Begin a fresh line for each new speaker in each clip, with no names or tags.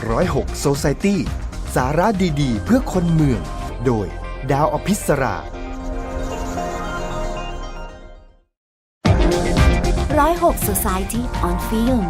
106 Society สาระดีๆเพื่อคนเมือง โดยดาวอภิสรา
106 Society on Film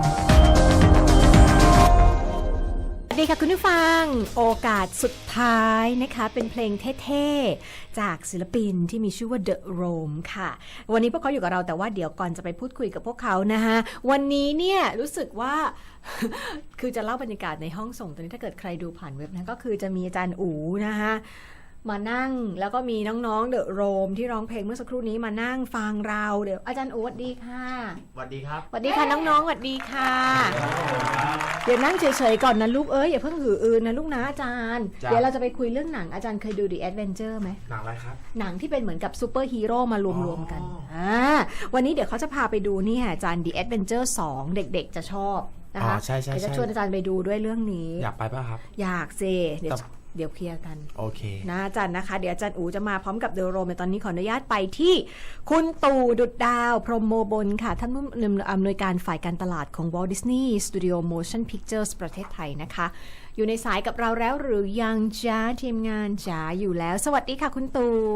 สวัสดีค่ะคุณผู้ฟังโอกาสสุดท้ายนะคะเป็นเพลงเท่ๆจากศิลปินที่มีชื่อว่า The Rome ค่ะวันนี้พวกเขาอยู่กับเราแต่ว่าเดี๋ยวก่อนจะไปพูดคุยกับพวกเขานะคะวันนี้เนี่ยรู้สึกว่า คือจะเล่าบรรยากาศในห้องส่งตอนนี้ถ้าเกิดใครดูผ่านเว็บนะก็คือจะมีอาจารย์อู๋นะคะมานั่งแล้วก็มีน้องๆ The Rome ที่ร้องเพลงเมื่อสักครู่นี้มานั่งฟังเราเดี๋ยวอาจารย์อู๋สวัสดีค่ะ
สวัสดีครับ
สวัสดีค่ะน้องๆสวัสดีค่ะเดี๋ยวนั่งเฉยๆก่อนนะลูกอย่าเพิ่งหืออือนะลูกนะอาจารย์เดี๋ยวเราจะไปคุยเรื่องหนังอาจารย์เคยดู The Adventure ไหม
หนังอะไรครับ
หนังที่เป็นเหมือนกับซูเปอร์ฮีโร่มารวมๆกันวันนี้เดี๋ยวเขาจะพาไปดูนี่อาจารย์ The Adventure 2 เด็กๆจะชอบนะคะ
ใช่ๆๆเดี๋ยว
จะชวนอาจารย์ไปดูด้วยเรื่องนี้
อยากไปป่ะครับ
อยากเดี๋ยวเคลียร์กัน
โอเค
นะอาจารย์นะคะเดี๋ยวอาจารย์อู๋จะมาพร้อมกับเดอะโรมในตอนนี้ขออนุญาตไปที่คุณตู่ดุจดาวพรหมโมบลค่ะท่านผู้อำนวยการฝ่ายการตลาดของ Walt Disney Studio Motion Pictures ประเทศไทยนะคะอยู่ในสายกับเราแล้วหรือยังจ้าทีมงานจ๋าอยู่แล้วสวัสดีค่ะคุณ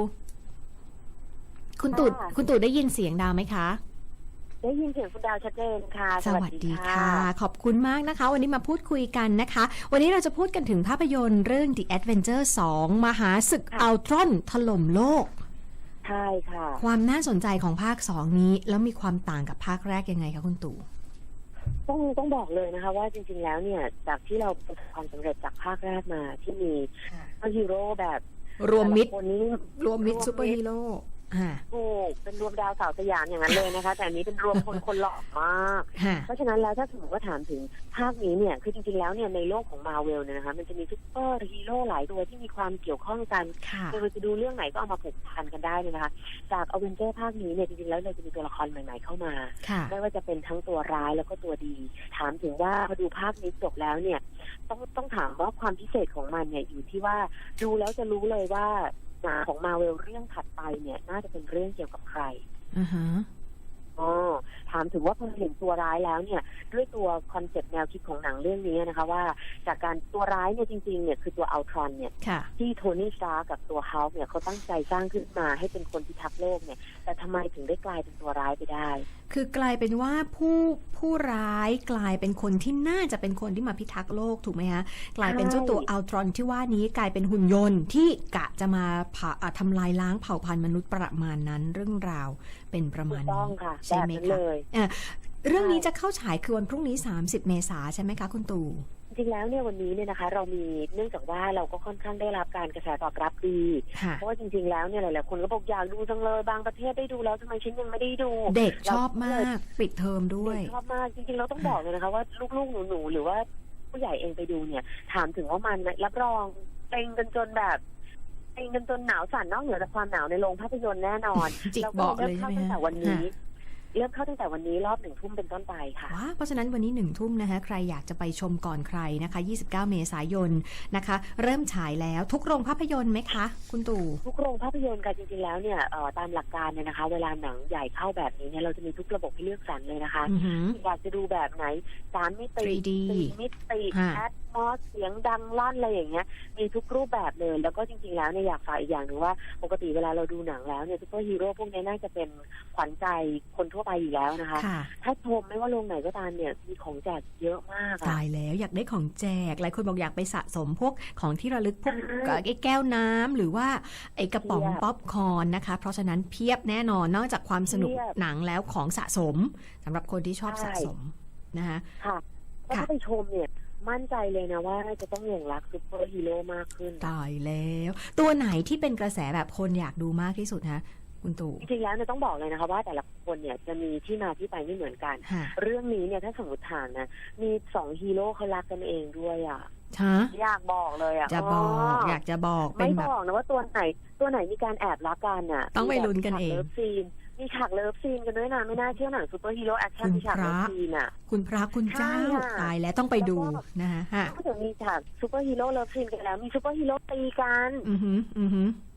ตู่ได้ยินเสียงดาวไหมคะ
ได้ยินเสียงคุณดาวชัดเจนค่ะ
สวัสดีค่ะขอบคุณมากนะคะวันนี้มาพูดคุยกันนะคะวันนี้เราจะพูดกันถึงภาพยนตร์เรื่อง The Adventure 2 มหาศึกอัลตรอนถล่มโลก
ใช่ค่ะ
ความน่าสนใจของภาค2นี้แล้วมีความต่างกับภาคแรกยังไงคะคุณตู่
ต้องบอกเลยนะคะว่าจริงๆแล้วเนี่ยจากที่เราประสบความสำเร็จจากภาคแรกมาที่มีฮีโร่แบบ
รวมมิตรซูเปอร์ฮีโร่
ถูกเป็นรวมดาวสาวสยามอย่างนั้นเลยนะคะแต่อันนี้เป็นรวมคนหล่อมากเพราะฉะนั้นแล้วถ้าสมมติว่าถามถึงภาคนี้เนี่ยคือจริงๆแล้วเนี่ยในโลกของมาเวลเนี่ยนะคะมันจะมีซุปเปอร์ฮีโร่หลายตัวที่มีความเกี่ยวข้องกันเราจะดูเรื่องไหนก็เอามาผูกพันกันได้เลยนะคะจากอเวนเจอร์ภาคนี้เนี่ยจริงๆแล้วเราจะมีตัวละครใหม่ๆเข้ามาไม่ว่าจะเป็นทั้งตัวร้ายแล้วก็ตัวดีถามถึงว่าพอดูภาคนี้จบแล้วเนี่ยต้องถามว่าความพิเศษของมันเนี่ยอยู่ที่ว่าดูแล้วจะรู้เลยว่าของมาเวลเรื่องถัดไปเนี่ยน่าจะเป็นเรื่องเกี่ยวกับใครถามถึงว่าพอเห็นตัวร้ายแล้วเนี่ยด้วยตัวคอนเซ็ปต์แนวคิดของหนังเรื่องนี้นะคะว่าจากการตัวร้ายเนี่ยจริงๆเนี่ยคือตัวอัลตรอนเนี่ยที่โทนี่สตาร์กับตัวฮัลค์เนี่ยเขาตั้งใจสร้างขึ้นมาให้เป็นคนพิทักษ์โลกเนี่ยแต่ทำไมถึงได้กลายเป็นตัวร้ายไปได้
คือกลายเป็นว่าผู้ร้ายกลายเป็นคนที่น่าจะเป็นคนที่มาพิทักษ์โลกถูกไหมคะกลายเป็นเจ้าตัวอัลตรอนที่ว่านี้กลายเป็นหุ่นยนต์ที่กะจะมาทำลายล้างเผ่าพันธุ์มนุษย์ประมาณนั้นเรื่องราวเป็นประมาณนี้ใช่ไหมคะเรื่องนี้จะเข้าฉายคือวันพรุ่งนี้30 เมษายนใช่ไหมคะคุณตู่
จริงแล้วเนี่ยวันนี้เนี่ยนะคะเรามีเนื่องจากว่าเราก็ค่อนข้างได้รับการกระแสตอบรับดีเพราะว่าจริงๆแล้วเนี่ยหลายๆคนก็บอกอยากดูจังเลยบางประเทศได้ดูแล้วทำไมฉันยังไม่ได้ดู
เด็กชอบมากปิดเทอมด้วย
ชอบมากจริงๆเราต้องบอกเลยนะคะว่าลูกๆหนูๆหรือว่าผู้ใหญ่เองไปดูเนี่ยถามถึงว่ามันรับรองเต็งกันจนแบบเต็งกันจนหนาวสั่นนอกเหนือจากความหนาวในโรงภาพยนตร์แน่นอน
แล้วก็เริ่ม
เข้าตั้งแต่วันนี้เริ่มเข้าตั้งแต่วันนี้รอบ1 ทุ่มเป็นต้นไปค่ะ
เพราะฉะนั้นวันนี้1 ทุ่มนะคะใครอยากจะไปชมก่อนใครนะคะ29 เมษายนนะคะเริ่มฉายแล้วทุกโรงภาพยนตร์ไหมคะคุณตู่
ทุกโรงภาพยนตร์กันจริงๆแล้วเนี่ยตามหลักการเนี่ยนะคะเวลาหนังใหญ่เข้าแบบนี้เนี่ยเราจะมีทุกระบบให้เลือกสรรเลยนะคะอยากจะดูแบบไหน3 มิติ 4 มิติแอดมอสเสียงดังลั่นอะไรอย่างเงี้ยมีทุกรูปแบบเลยแล้วก็จริงๆแล้วเนี่ยอยากฝากอีกอย่างหนึ่งว่าปกติเวลาเราดูหนังแล้วเนี่ยซุปเปอร์ฮีโร่พวกนี้น่าจะเป็นขวัญใจคนทั่วไปอยู่แล้วนะคะถ้าชมไม่ว่าโรงไหนก็ตามเนี่ยมีของแจกเยอะมาก
ตายแล้วอยากได้ของแจกหลายคนบอกอยากไปสะสมพวกของที่ระลึกพวกไอ้แก้วน้ำหรือว่าไอ้กระป๋องป๊อปคอร์นนะคะเพราะฉะนั้นเพียบแน่นอนนอกจากความสนุกหนังแล้วของสะสมสำหรับคนที่ชอบสะสมนะคะ
ค่ะถ้าไปชมเนี่ยมั่นใจเลยนะว่าจะต้องหลงรักซุปเปอร์ฮีโร่มากขึ้น
ตายแล้วตัวไหนที่เป็นกระแสแบบคนอยากดูมากที่สุดคะคุณตู่
จริงๆแล้วเนี่ยต้องบอกเลยนะคะว่าแต่ละคนเนี่ยจะมีที่มาที่ไปไม่เหมือนกันเรื่องนี้เนี่ยถ้าสมมติถามนะมี2ฮีโร่เขารักกันเองด้วยอยากบอกเลย
อยากจะบอก
ไม่บอกนะว่าตัวไหนมีการแอบรักกัน
ต้องไปลุ้นกันเอง
มีฉากเลิฟซีนกันด้วยนะไม่น่าเชื่อหนังซูเปอร์ฮีโร่แอคชั่นมีฉากเลิฟซีน
คุณพระคุณเจ้าตายแล้วต้องไปดูนะคะ
ก็จะมีฉากซูเปอร์ฮีโร่เลิฟซีนกันแล้วมีซูเปอร์ฮีโร่ตีกัน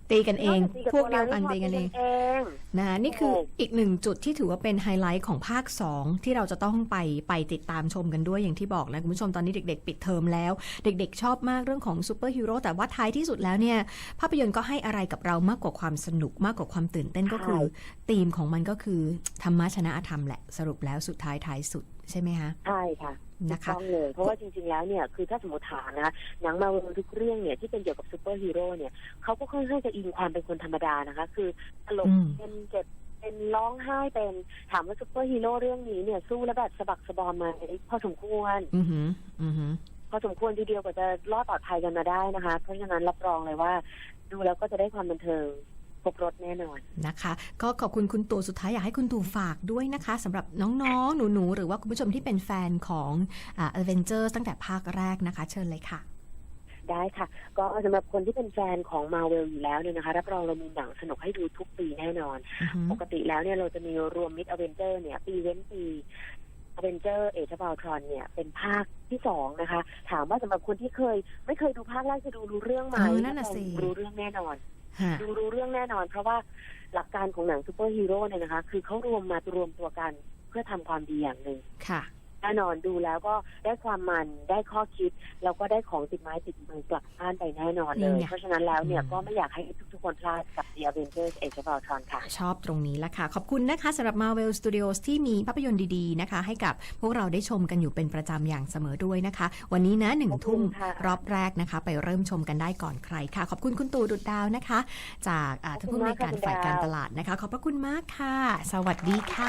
ตีกันเอง
ตีกับ
พวกเดียว
ตั
กัน
รา
ตีกันเอง
เอง
นะนี่คืออีกหนึ่งจุดที่ถือว่าเป็นไฮไลท์ของภาค 2 ที่เราจะต้องไปติดตามชมกันด้วยอย่างที่บอกนะคุณผู้ชมตอนนี้เด็กๆปิดเทอมแล้วเด็กๆชอบมากเรื่องของซูเปอร์ฮีโร่แต่ว่าท้ายที่สุดแล้วเนี่ยภาพยนตร์ก็ให้อะไรกับเรามากกว่าความสนุกมากกว่าความตื่นเต้นก็คือธีมของมันก็คือธรรมะชนะอธรรมแหละสรุปแล้วสุดท้ายสุดใช่ไหมคะ
ใช่ค่ะ
นะคะ
ต้องเลยเพราะว่าจริงๆแล้วเนี่ยคือถ้าสมมติถามนะคะหนังมาเวลทุกเรื่องเนี่ยที่เป็นเกี่ยวกับซูเปอร์ฮีโร่เนี่ยเขาก็ค่อนข้างจะอิงความเป็นคนธรรมดานะคะคือตลกเป็นเจ็บเป็นร้องไห้เป็นถามว่าซูเปอร์ฮีโร่เรื่องนี้เนี่ยสู้แล้วแบบสะบักสะบอมมาพอสมควรพอสมควรทีเดียวกว่าจะรอดปลอดภัยกันมาได้นะคะเพราะฉะนั้นรับรองเลยว่าดูแล้วก็จะได้ความบันเทิงครบรถแน่นอน
นะคะก็ขอบคุณคุณตู่สุดท้ายอยากให้คุณตู่ฝากด้วยนะคะสำหรับน้องๆหนูๆหรือว่าคุณผู้ชมที่เป็นแฟนของAvengers ตั้งแต่ภาคแรกนะคะเชิญเลยค่ะ
ได้ค่ะก็สำหรับคนที่เป็นแฟนของ Marvel อยู่แล้วเนี่ยนะคะรับรองเรามีหนังสนุกให้ดูทุกปีแน่นอนปกติแล้วเนี่ยเราจะมีรวม Mid Avenger เนี่ยปีเว้นปี Avenger Age of Ultron เนี่ยเป็นภาคที่2นะคะถามว่าสำหรับคนที่ไม่เคยดูภาคแรกจะรู้เรื่องไหม
นั่นน่ะสิ
รู้เรื่องแน่นอนรู้เรื่องแน่นอนเพราะว่าหลักการของหนังซูเปอร์ฮีโร่เนี่ยนะคะคือเขารวมตัวกันเพื่อทำความดีอย่างหนึ่ง
ค่ะ
แน่นอนดูแล้วก็ได้ความมันได้ข้อคิดแล้วก็ได้ของติดไม้ติดมือกลับบ้านไปแน่นอนเลยเพราะฉะนั้นแล้วเนี่ยก็ไม่อยากให้ทุกคนพลาดกับ The Avengers Age of Ultron ค่ะ
ชอบตรงนี้ละค่ะขอบคุณนะคะสำหรับ Marvel Studios ที่มีภาพยนตร์ดีๆนะคะให้กับพวกเราได้ชมกันอยู่เป็นประจำอย่างเสมอด้วยนะคะวันนี้นะ1 ทุ่มรอบแรกนะคะไปเริ่มชมกันได้ก่อนใครค่ะขอบคุณคุณตู่ดุจดาวนะคะจากท่านผู้อำนวยการฝ่ายการตลาดนะคะขอบพระคุณมากค่ะสวัสดีค่ะ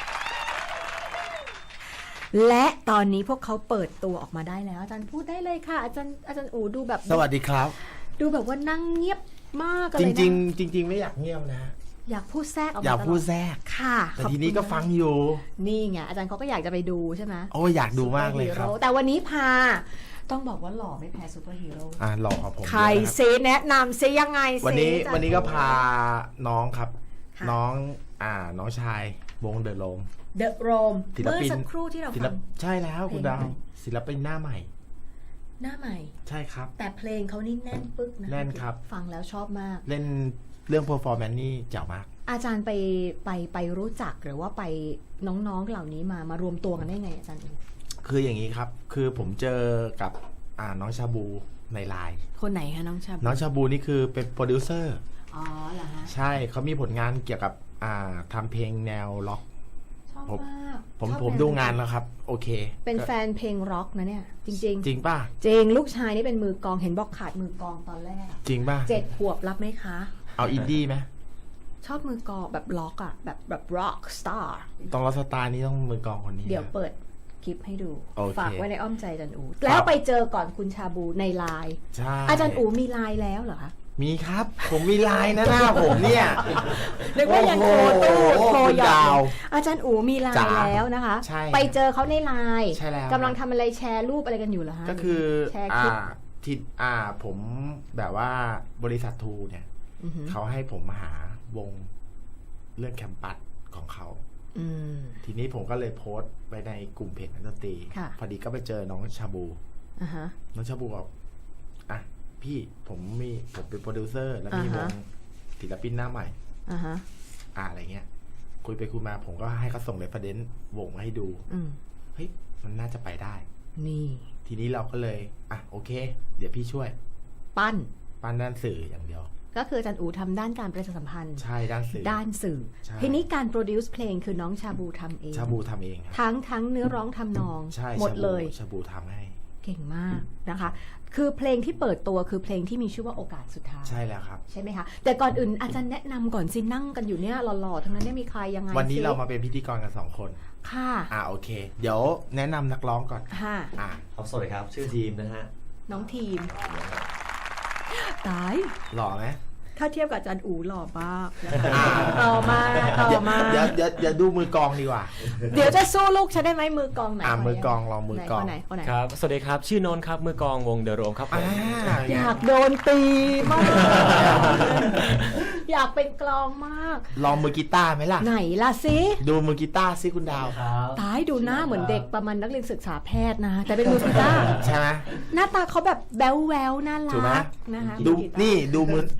และตอนนี้พวกเขาเปิดตัวออกมาได้แล้วอาจารย์พูดได้เลยค่ะอาจารย์อู๋ดูแบบ
สวัสดีครับ
ดูแบบว่านั่งเงียบมากเลยนะ
จริงไม่อยากเงียบนะ
อยากพูดแทรกออกมา
อยากพูดแทรก
ค่ะ
แต่ทีนี้ก็ฟังอยู่
นี่ไงอาจารย์เขาก็อยากจะไปดูใช่ไหม
โอ้อยากดูมากเลยครับ
แต่วันนี้พาต้องบอกว่าหล่อไม่แพ้ซูเปอร์ฮีโร่
หล่อครับผม
ใครเซแนะนำเซยังไง
วันนี้ก็พาน้องครับน้องชายวงเดอะโรม
เดอะโรมเมื่อสักครู่ที่เราฟัง
ใช่แล้วคุณดาวศิลปินหน้าใหม่ใช่ครับ
แต่เพลงเขานี่แน่นปึ๊กนะ
แน่นครับ
ฟังแล้วชอบมาก
เล่นเรื่อง performance นี่เจ๋งมาก
อาจารย์ไปรู้จักหรือว่าไปน้องๆเหล่านี้มารวมตัวกันได้ไงอาจารย์
คืออย่างนี้ครับคือผมเจอกับน้องชาบูในไลน์
คนไหนคะน้องชา
บูนี่คือเป็นโปรดิวเซอร์
อ๋อเหรอฮะ
ใช่เขามีผลงานเกี่ยวกับทำเพลงแนวล็อกผมดูงานแล้วครับโอเค
เป็นแฟนเพลงร็อกนะเนี่ยจริง
ป่ะ
จริงลูกชายนี่เป็นมือกลองเห็นบอกขาดมือกลองตอนแรก
จริงป่ะ
7 ขวบรับไหมคะ
เอาอินดี้ไหม
ชอบมือกลองแบบล็อกอ่ะแบบร็อกสตาร์
ต้องล็อกสตาร์นี่ต้องมือกลองคนนี้
เดี๋ยวเปิดคลิปให้ดูฝากไว้ในอ้อมใจอาจารย์อู
แล้ว
ไปเจอก่อนคุณชาบูในไลน์อาจารย์อูมีไลน์แล้วเหรอคะ
มีครับผมมีไลน์นะหน้าผมเนี่ย
นึกว่ายังโทรยาวอาจารย์อูมีไลน์แล้วนะคะไปเจอเขาในไลน์กำลังทำอะไรแชร์รูปอะไรกันอยู่เหรอฮะ
ก็คือผมแบบว่าบริษัททูเนี่ยเขาให้ผมหาวงเรื่องแคมปัสของเขาทีนี้ผมก็เลยโพสต์ไปในกลุ่มเพจนักดนตรีพอดีก็ไปเจอน้องชาบูน้องชาบูบอกพี่ผมเป็นโปรดิวเซอร์แล้วมีวงศิลปินหน้าใหม่อะไรเงี้ยคุยไปคุยมาผมก็ให้เขาส่งเรฟเฟอเรนซ์วงมาให้ดูเฮ้ยมันน่าจะไปได้
นี่
ทีนี้เราก็เลยโอเคเดี๋ยวพี่ช่วย
ปั้น
ด้านสื่ออย่างเดียว
ก็คืออาจารย์อู๋ทำด้านการประชาสัมพันธ์
ใช่ด้าน
สื่อทีนี้การโปรดิวซ์เพลงคือน้องชาบูทำเองทั้งเนื้อร้องทำนองหมดเลย
ชาบูทำให้
เก่งมากนะคะคือเพลงที่เปิดตัวคือเพลงที่มีชื่อว่าโอกาสสุดท้าย
ใช่แล้วครับ
ใช่ไหมคะแต่ก่อนอื่นอาจารย์แนะนำก่อนสินั่งกันอยู่เนี่ยหล่อๆทั้งนั้นเนี่ยมีใครยังไง
วันนี้เรามาเป็นพิธีกรกัน2 คน
ค่ะ
โอเคเดี๋ยวแนะนำนักร้องก่อน
ค่ะ
สวัสดีครับชื่อทีมนะฮะ
น้องทีมตาย
หล่อไหม
ถ้าเทียบกับอาจารย์อู๋หล่อมากต่อมา
เดี๋ยวดูมือกองดีกว่า
เดี๋ยวจะสู้ลูกฉันได้ไหมมือกองไหน
มือกองลองมือกอง
ครับสวัสดีครับชื่อโนนครับมือกองวงเดอะโรมครับ
อยากโดนตีมากอยากเป็นกลองมาก
ลองมือกีตาร์ไหมล่ะ
ไหนล่ะซิ
ดูมือกีตาร์ซิคุณดาว
ตายดูหน้าเหมือนเด็กประมาณนักเรียนศึกษาแพทย์นะแต่เป็นมือกีตาร์
ใช่ไหม
หน้าตาเขาแบบแบ๊วๆน่ารักนะคะ
ดูนี่ดูมือเบ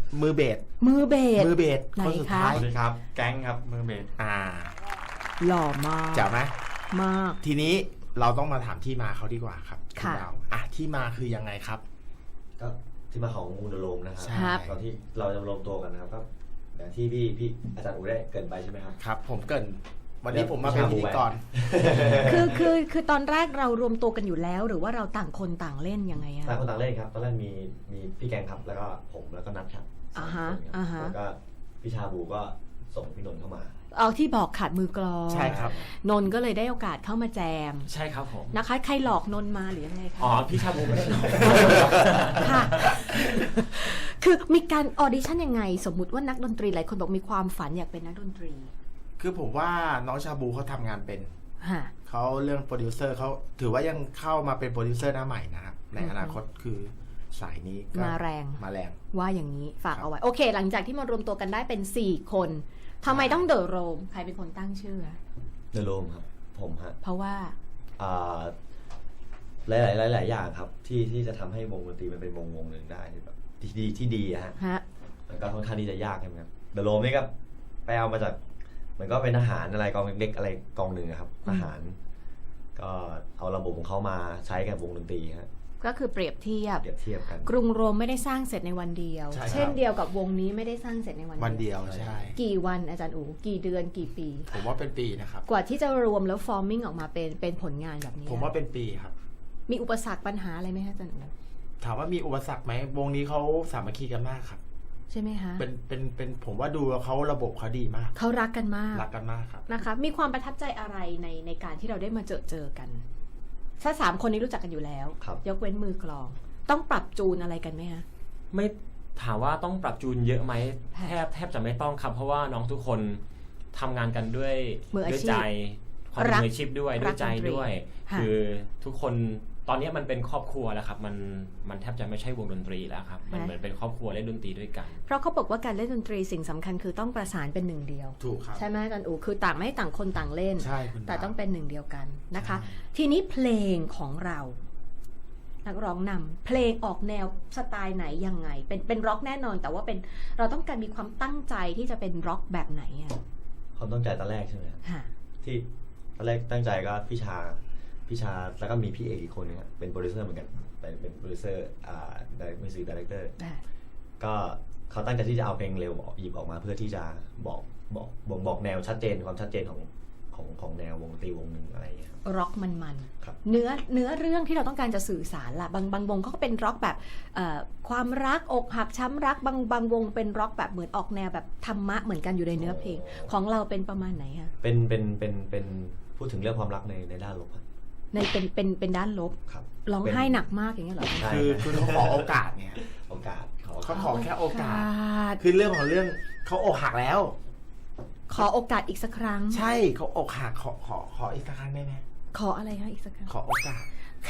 ส
มือเบส
มือเบส
ไหน
คนสุด
คะ
ท้าย
สวัสดีครับ แก๊งครับมือเบส
หล่อมาก
เจ๋งไหม
มาก
ทีนี้เราต้องมาถามที่มาเขาดีกว่าครับ
ค่ะ
ณดาวที่มาคือยังไงครับ
ก็ที่มาของวงเดอะโรมนะครั
ใช่
ครับ
ตอนที่เราจะรวมตัวกันนะครับก็อย่างที่พี่อาจารย์อูได้เกรินไปใช่ไหมครับ
ครับ ผมเกรินวันนี้ผมมาเป็นพิธีกร
คือตอนแรกเรารวมตัวกันอยู่แล้ว หรือว่าเราต่างคนต่างเล่นยังไงอะ
ต่างคนต่างเล่นครับตอนแรกมีพี่แกงครับแล้วก็ผมแล้วก็นัทครับ
อ่าฮะ
สามคนครับ
อ่าฮะ
แล้วก็พี่ชาบูก็ส่งพี่นนท์เข้ามา
เอาที่บอกขาดมือกลอง
ใช่ครับ
นนท์ก็เลยได้โอกาสเข้ามาแจม
ใช่ครับผม
นะคะ ใครหลอกนนท์มาหรือยังไงคะ
อ๋อพี่ชาบูไม่ได้หรอก
ค่ะ คือมีการออดิชั่นยังไง สมมุติว่านักดนตรีหลายคนบอกมีความฝันอยากเป็นนักดนตรี
คือผมว่าน้องชาบูเขาทำงานเป็น
ฮะ
เขาเรื่องโปรดิวเซอร์เขาถือว่ายังเข้ามาเป็นโปรดิวเซอร์หน้าใหม่นะครับในอนาคตคือสายนี้ก็
มาแรง
มาแรง
ว่าอย่างนี้ฝาก
ครับ
เอาไว้ โอเค หลังจากที่มารวมตัวกันได้เป็น 4 คนทำไมต้องเดอะโรมใครเป็นคนตั้งชื่อ
เดอะโรมครับผมฮะ
เพราะว่า
อ่าหลายอย่างครับที่จะทำให้วงดนตรีมันเป็นวงหนึ่งได้แบบที่ดีอะฮะ
ฮะ
มันก็ค่อนข้างที่จะยากใช่ไหมครับเดอะโรมนี่ก็ไปเอามาจากเหมือนก็เป็นทหารอะไรกองเล็กๆอะไรกองหนึ่งอะครับทหาร ก็เอาระบบของเขามาใช้กับวงดนตรีฮะ
ก็คือเปรียบเทียบ
เปรียบเทียบกัน
กรุงโรมไม่ได้สร้างเสร็จในวันเดียว
ใช่ครับ
เช่นเดียวกับวงนี้ไม่ได้สร้างเสร็จในวัน
วันเดียวใช่
กี่วันอาจารย์อูกี่เดือนกี่ปี
ผมว่าเป็นปีนะครับ
กว่าที่จะรวมแล้วฟอร์มมิ่งออกมาเป็นผลงานแบบนี้
ผมว่าเป็นปีครับ
มีอุปสรรคปัญหาอะไรไหมคะอาจารย์อู
ถามว่ามีอุปสรรคไหมวงนี้เขาสามัคคีกันมากครับ
ใช่ไหมคะ
เป็นผมว่าดูแล้วเขาระบบเขาดีมาก
เขารักกันมาก
รักกันมากครับ
นะคะ มีความประทับใจอะไรในการที่เราได้มาเจอกัน ถ้า3 คนนี้รู้จักกันอยู่แล้ว
ครับ
ยกเว้นมือกลอง ต้องปรับจูนอะไรกันไหมคะ
ไม่ถามว่าต้องปรับจูนเยอะไหมแทบจะไม่ต้องครับ เพราะว่าน้องทุกคนทำงานกันด้วย
มืออา
ด้วย
ชี
ใจ
พ
ความเป็น
รัก
มืออาชีพด้วย
รั
ด้ว
ก
ยใจ
ดนตรี
ด้วย
ค่ะ
คือทุกคนตอนนี้มันเป็นครอบครัวแล้วครับมันแทบจะไม่ใช่วงดนตรีแล้วครับมันเหมือนเป็นครอบครัวเล่นดนตรีด้วยกัน
เพราะเขาบอกว่าการเล่นดนตรีสิ่งสำคัญคือต้องประสานเป็นหนึ่งเดียว
ถูกครับ
ใช่ไหมอาจารย์อูคือต่างไม่ให้ต่างคนต่างเล่น
ใช่คุณ
แต่
ดาว
ต้องเป็นหนึ่งเดียวกันนะคะ
ใช่
ทีนี้เพลงของเรา นักร้องนำเพลงออกแนวสไตล์ไหนยังไง เป็นร็อกแน่นอน แต่ว่าเป็นเราต้องการมีความตั้งใจที่จะเป็นร็อกแบบไหนอ่ะ
ความตั้งใจตอนแรกใช่ไหมครับ
ค่ะ
ที่ตอนแรกตั้งใจก็พี่ชาแล้วก็มีพี่เอกอีกคนนึงอะเป็นโปรดิวเซอร์เหมือนกันเป็นโปรดิวเซอร์มิวสิกดีเรคเตอร์ก็เขาตั้งใจที่จะเอาเพลงเร็วหยิบออกมาเพื่อที่จะบอกแนวชัดเจนความชัดเจนของแนววงดนตรีวงหนึ่งอะไรอย่างเงี้ยครับ
ร็อกมัน
ครับ
เนื้อเรื่องที่เราต้องการจะสื่อสารล่ะบางวงเขาก็เป็นร็อกแบบความรักอกหักช้ำรักบางวงเป็นร็อกแบบเหมือนออกแนวแบบธรรมะเหมือนกันอยู่ในเนื้อเพลงของเราเป็นประมาณไหนคะ
เป็นพูดถึงเรื่องความรักในด้านลบครับ
ในเป็นด้านลบ
ครับ
ร้องไห้หนักมากอย่างเงี้ยเหรอ
ใช่
คือเขาขอโอกาสเนี่ย
โอกาส
เขาขอแค่โอกาส
ส
คือเรื่องของเรื่องเขาอกหักแล้ว
ขอโอกาสอีกสักครั้ง
ใช่เขาอกหักขออีกสักครั้งได้ไหม
ขออะไรคะอีกสักครั้ง
ขอโอกาส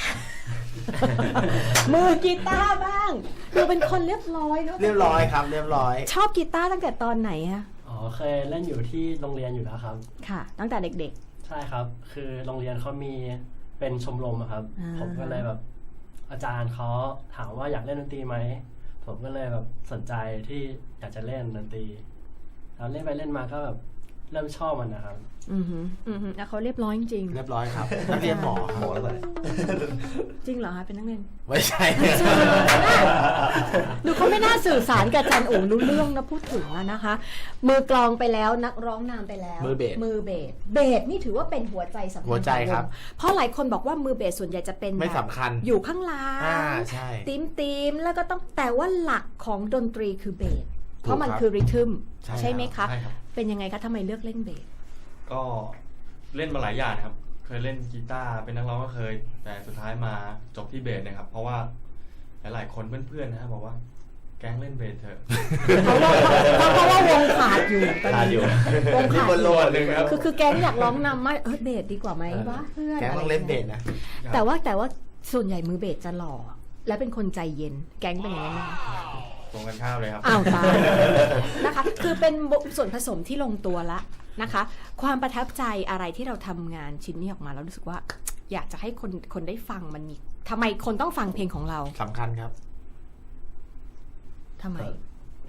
มือกีตาร์บ้างดูเป็นคนเรียบร้อยเนอะ
เรียบร้อยครับ เรียบร้อย
ชอบกีตาร์ตั้งแต่ตอนไหนอะ
อ๋อเคยเล่นอยู่ที่โรงเรียนอยู่แล้วครับ
ค่ะ ตั้งแต่เด็ก
ใช่ครับ คือโรงเรียนเขามีเป็นชมรมอะครับ
อ่า
ผมก็เลยแบบอาจารย์เขาถามว่าอยากเล่นดนตรีไหมผมก็เลยแบบสนใจที่อยากจะเล่นดนตรีแล้วเล่นไปเล่นมาก็แบบเริ่มชอบมันนะครับ
ๆแล้วเขาเรียบร้อยจริง
เรียบร้อยครับนักเรียนหมอครับ
หมอแล้วไป
ๆจริงเหรอคะเป็นนักเรียน
ไม่ใช่
ดูเขาไม่น่าสื่อสารกับอาจารย์โอ๋รู้เรื่องนะพูดถึงแล้วนะคะ มือกลองไปแล้วนักร้องนำไปแล้ว
มือเบส
เบสนี่ถือว่าเป็นหัวใจสำคัญ
หัวใจครับ
ของวงเพราะหลายคนบอกว่ามือเบสส่วนใหญ่จะเป็น
ไม่
แบบ
สำคัญ
อยู่ข้างหล่าง
ใช่
ตีมแล้วก็ต้องแต่ว่าหลักของดนตรีคือเบสเพราะมัน
ครับ
คือริทึม
ใช่
ใช่ไหมคะ
ใช่ครับ
เป็นยังไงคะทำไมเลือกเล่นเบส
ก็เล่นมาหลายอย่างครับ เคยเล่นกีตาร์เป็นนักร้องก็เคย แต่สุดท้ายมาจบที่เบสนะครับ เพราะว่าหลายๆคนเพื่อนๆนะครับบอกว่าแก๊งเล่นเบสเถอะ
เพราะว่าวงขาดอยู่ตอน
ขาดอยู่
นี้วง
นี่
ขาด
บน
อ
โล
ยู่
กหนึ่งครับ
คือแก๊งอยากร้องนำมากเบสดีกว่าไหมวะเพื่อน
แกต้องเล่นเบสนะ
แต่ว่าส่วนใหญ่มือเบสจะหล่อและเป็นคนใจเย็น แก๊งเป็นอย่างนั้นไหม
ตรงกันข้ามเลยครับ
อ้าวตายนะคะ คือเป็นส่วนผสมที่ลงตัวละนะคะ ความประทับใจอะไรที่เราทำงานชิ้นนี้ออกมาแล้วรู้สึกว่า อยากจะให้คนได้ฟังมันมีทำไมคนต้องฟังเพลงของเรา
สำคัญครับ
ทำไม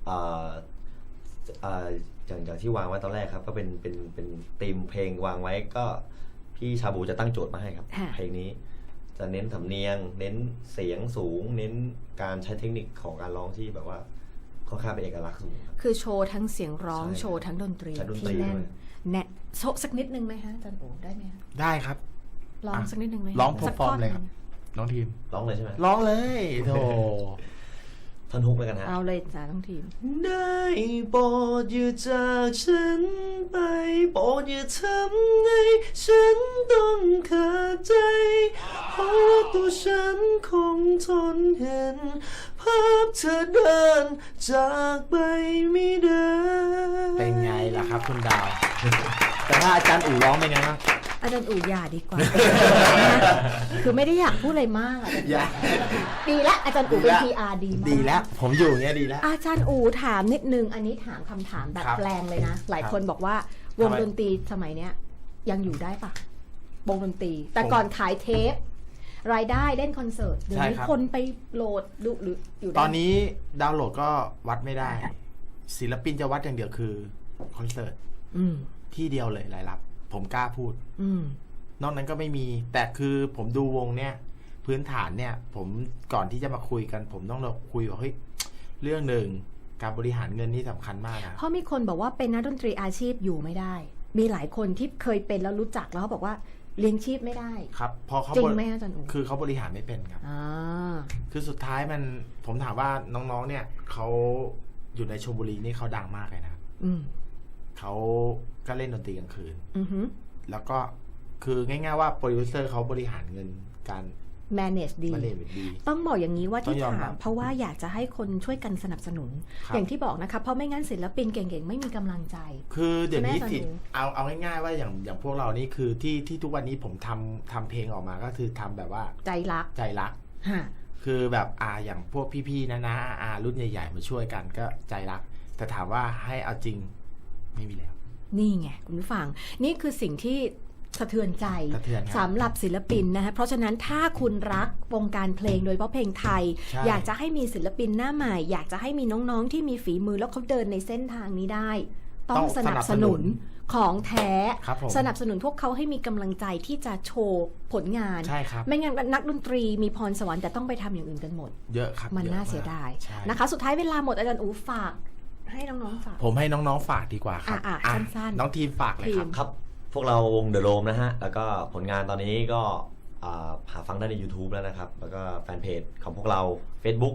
อย่างที่วางไว้ตอนแรกครับก็เป็นธีมเพลงวางไว้ก็พี่ชาบูจะตั้งโจทย์มาให้ครับเพลงนี้จะเน้นสำเนียงเน้นเสียงสูงเน้นการใช้เทคนิคของการร้องที่แบบว่าค่อนข้างเป็นเอกลักษณ์สูง
คือโชว์ทั้งเสียงร้องโชว์ทั้งดนตรีที่แน่นโชว์สักนิดนึงไหมฮะอาจารย์โอ๋ได้ไหมฮะ
ได้ครับ
ร้องสักนิดนึงไหม
ร้องเพอร์ฟอร์มเลยครับน้องทีม
ร้องเลยใช่ไหม
ร้องเลยโธ่
ท่อนฮุกเลยกันฮะ
เอาเลยจ้าน้องทีม
ได้โปรดอย่าจากฉันไปโปรดอย่าทำให้ฉันต้องขาดใจเพราะตัวฉันคงทนเห็นภาพเธอเดินจากไปไม่ได้
เป็นไงล่ะครับคุณดาวแต่ถ้าอาจารย์อู๋ร้องเป็นไงบ้าง
อาจารย์อู๋อย่าดีกว่าคือไม่ได้อยากพูดอะไรมากดีละอาจารย์อู๋เป็น PR ดีมาก
ดีแล้วผมอยู่อย่างเงี้ยดีแล้ว
อาจารย์อู๋ถามนิดนึงอันนี้ถามคำถามแบบแปลงเลยนะหลายคนบอกว่าวงดนตรีสมัยเนี้ยยังอยู่ได้ปะวงดนตรีแต่ก่อนขายเทปรายได้เล่นคอนเสิร์ตเดี๋ยวนี้คนไปโหลดดูหรืออยู่
ตอนนี้ดาวน์โหลดก็วัดไม่ได้ศิลปินจะวัดอย่างเดียวคือคอนเสิร์ตที่เดียวเลยรายรับผมกล้าพูดนอกนั้นก็ไม่มีแต่คือผมดูวงเนี่ยพื้นฐานเนี่ยผมก่อนที่จะมาคุยกันผมต้องเราคุยว่าเฮ้ยเรื่องหนึ่งการบริหารเงินนี่สำคัญมากนะ
เพราะมีคนบอกว่าเป็นนักดนตรีอาชีพอยู่ไม่ได้มีหลายคนที่เคยเป็นแล้วรู้จักแล้วเขาบอกว่าเลี้ยงชีพไม่ได้
ครับพอเขา
จริงไหมอาจารย์อู๋
คือเขาบริหารไม่เป็นครับคือสุดท้ายมันผมถามว่าน้องๆเนี่ยเขาอยู่ในชลบุรีนี่เขาดังมากเลยนะเขาก็เล่นดนตรีกลางคืนแล้วก็คือง่ายๆว่าโปรดิวเซอร์เขาบริหารเงินการ
manage ดีต้องบอกอย่างนี้ว่าที่ถามเพราะว่าอยากจะให้คนช่วยกันสนับสนุนอย่างที่บอกนะคะเพราะไม่งั้นศิลปินเก่งๆไม่มีกำลังใจ
คือเดี๋ยวนี้สิเอาง่ายๆว่าอย่างพวกเรานี่คือที่ทุกวันนี้ผมทำเพลงออกมาก็คือทำแบบว่า
ใจรัก
คือแบบอย่างพวกพี่ๆนะรุ่นใหญ่ๆมาช่วยกันก็ใจรักแต่ถามว่าให้เอาจริงไม่มีแล้ว
นี่ไงคุณผู้ฟังนี่คือสิ่งที่สะเทือนใจสำหรับศิลปินนะคะเพราะฉะนั้นถ้าคุณรักวงการเพลงโดยเฉพาะเพลงไทยอยากจะให้มีศิลปินหน้าใหม่อยากจะให้มีน้องๆที่มีฝีมือแล้วเขาเดินในเส้นทางนี้ได้ต้องสนับสนุนของแท้สนับสนุนพวกเขาให้มีกำลังใจที่จะโชว์ผลงานไม่งั้นนักดนตรีมีพรสวรรค์แต่ต้องไปทำอย่างอื่นกันหมด
เยอะครับ
มันน่าเสียดายนะคะสุดท้ายเวลาหมดอาจารย์อู๋ฝากให้น้องๆฝาก
ผมให้น้องๆฝากดีกว่าครับ
สั้น
ๆน้องทีมฝากเลย
ครับพวกเราวง The Roam นะฮะแล้วก็ผลงานตอนนี้ก็หาฟังได้ใน YouTube แล้วนะครับแล้วก็แฟนเพจของพวกเรา Facebook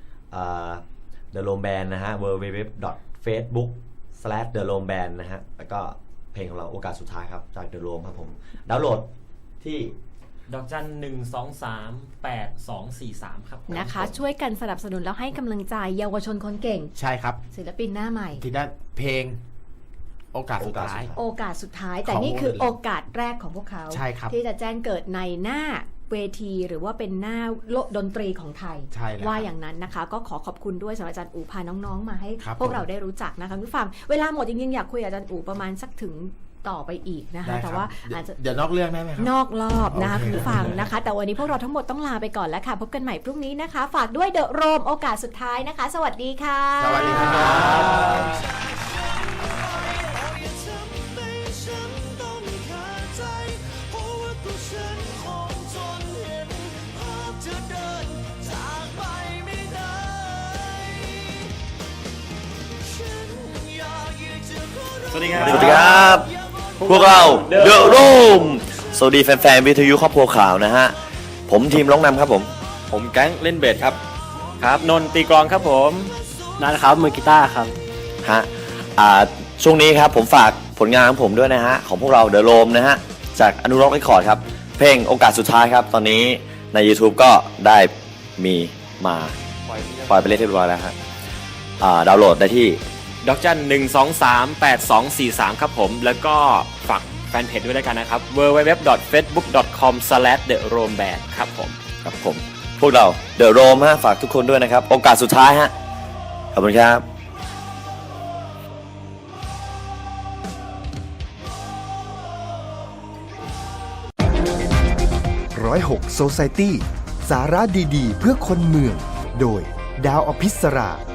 The Roam Band นะฮะ www.facebook/The Roam Band นะฮะแล้วก็เพลงของเราโอกาสสุดท้ายครับจาก The Roam ครับผมดาวน์โหลดที่
1238243ครับ
นะคะช่วยกันสนับสนุนแล้วให้กำลังใจเยาวชนคนเก่ง
ใช่ครับ
ศิลปินหน้าใหม่
ที่ได้เพลงโอกาสสุด
ท้ายแต่นี่คือโอกาสแรกของพวกเขาที่จะแจ้งเกิดในหน้าเวทีหรือว่าเป็นหน้าโลกดนตรีของไทยว่าอย่างนั้นนะคะก็ขอบคุณด้วยสำหรับอาจารย์อู๋พาน้องๆมาให้พวกเราได้รู้จักนะคะผู้ฟังเวลาหมดจริงๆอยากคุยกับอาจารย์อู๋ประมาณสักถึงต่อไปอีกนะคะแต่ว่าอาจจะ
เดี๋ยวนอกเรื่องได้ไหมครับ
นอกรอบนะคะคุณผู้ฟังนะคะแต่วันนี้พวกเราทั้งหมดต้องลาไปก่อนแล้วค่ะพบกันใหม่พรุ่งนี้นะคะฝากด้วยเดอะโรมโอกาสสุดท้ายนะคะสวัสดีค่ะ
สวัสดีครับ
สวัสดีครับพวกเรา The Roam สวัสดีแฟนๆวิทยุครอบครัวข่าวนะฮะผมทีมร้องนำครับผมแก๊งเล่นเบสครับ
ครับนนตีกลองครับผม
นั่นครับมือกีตาร์ครับ
ฮะช่วงนี้ครับผมฝากผลงานของผมด้วยนะฮะของพวกเรา The Roam นะฮะจากอนุรักษ์เรคคอร์ดครับเพลงโอกาสสุดท้ายครับตอนนี้ใน YouTube ก็ได้มีมาปล่อยไปเรียบร้อยแล้วครับดาวน์โหลดได้ที่
1238243ครับผมแล้วก็ฝากแฟนเพจด้วยแล้วกันนะครับ www.facebook.com/theroamband ครับผม
พวกเรา The Roam ฮะฝากทุกคนด้วยนะครับโอกาสสุดท้ายฮะขอบคุณครับ
106 Society สาระดีๆเพื่อคนเมืองโดยดาวอภิสรา